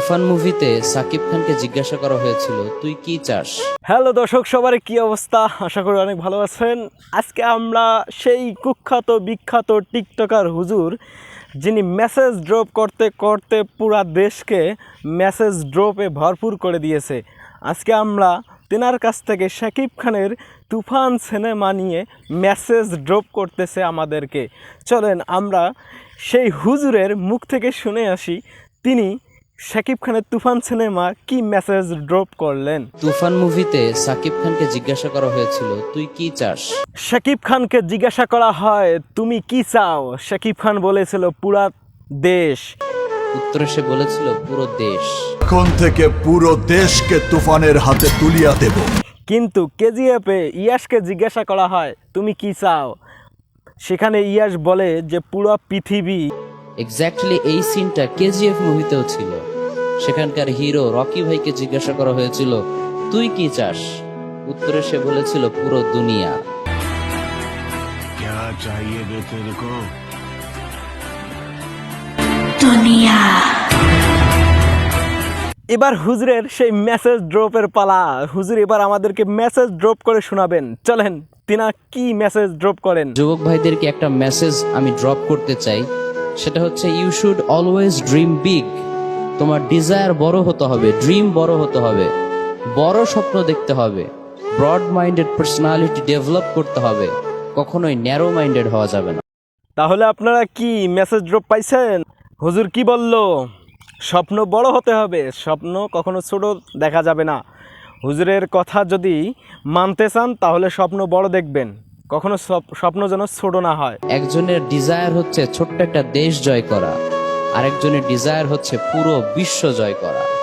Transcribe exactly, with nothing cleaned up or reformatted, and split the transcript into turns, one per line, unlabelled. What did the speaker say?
তুফান মুভিতে সাকিব খানকে জিজ্ঞাসা করা হয়েছিল তুই কি চাস।
হ্যালো দর্শক, সবার কি অবস্থা? আশা করি অনেক ভালো আছেন। আজকে আমরা সেই কুখ্যাত বিখ্যাত টিকটকার হুজুর, যিনি মেসেজ ড্রপ করতে করতে পুরা দেশকে মেসেজ ড্রপে ভরপুর করে দিয়েছে, আজকে আমরা তেনার কাছ থেকে শাকিব খানের তুফান সিনেমা নিয়ে মেসেজ ড্রপ করতেছে আমাদেরকে। চলেন আমরা সেই হুজুরের মুখ থেকে শুনে আসি তিনি শাকিব খানের তুফান সিনেমা কি মেসেজ ড্রপ করলেন।
তুফান মুভিতে সাকিব খানকে জিজ্ঞাসা করা হয়েছিল তুই কি চাস।
শাকিব খানকে জিজ্ঞাসা করা হয় তুমি কি চাও, শাকিব খান বলেছিল পুরা দেশ।
উত্তরে সে বলেছিল পুরো দেশ।
এখন থেকে পুরো দেশকে তুফানের হাতে তুলিয়া দেব।
কিন্তু কেজিএফে ইয়াসকে জিজ্ঞাসা করা হয় তুমি কি চাও, সেখানে ইয়াস বলে যে পুরো পৃথিবী।
এক্স্যাক্টলি এই সিনটা কেজিএফ মুভিতেও ছিল। সেখানকার হিরো রকি ভাইকে জিজ্ঞাসা করা হয়েছিল তুই কি চাস। উত্তরে সে বলেছিল পুরো দুনিয়া।
क्या चाहिए बे तेरे को?
এবার হুজুরের সেই মেসেজ ড্রপের পালা। হুজুর এবার আমাদেরকে মেসেজ ড্রপ করে শোনাবেন। চলেন তিনা কি মেসেজ ড্রপ করেন।
যুবক ভাইদেরকে একটা মেসেজ আমি ড্রপ করতে চাই, সেটা হচ্ছে you should always dream big. তোমার ডিজায়ার বড় হতে হবে, ড্রিম বড় হতে হবে, বড় স্বপ্ন দেখতে হবে, ব্রড মাইন্ডেড পার্সোনালিটি ডেভেলপ করতে হবে, কখনোই ন্যারো মাইন্ডেড হওয়া যাবে না।
তাহলে আপনারা কি মেসেজ ড্রপ পাইছেন? হুজুর কি বলল? স্বপ্ন বড় হতে হবে, স্বপ্ন কখনো ছোট দেখা যাবে না। হুজুরের কথা যদি মানতে চান তাহলে স্বপ্ন বড় দেখবেন, কখনো স্বপ্ন যেন ছোট না হয়।
একজনের ডিজায়ার হচ্ছে ছোট্ট একটা দেশ জয় করা, আরেকজনের ডিজায়ার হচ্ছে পুরো বিশ্ব জয় করা।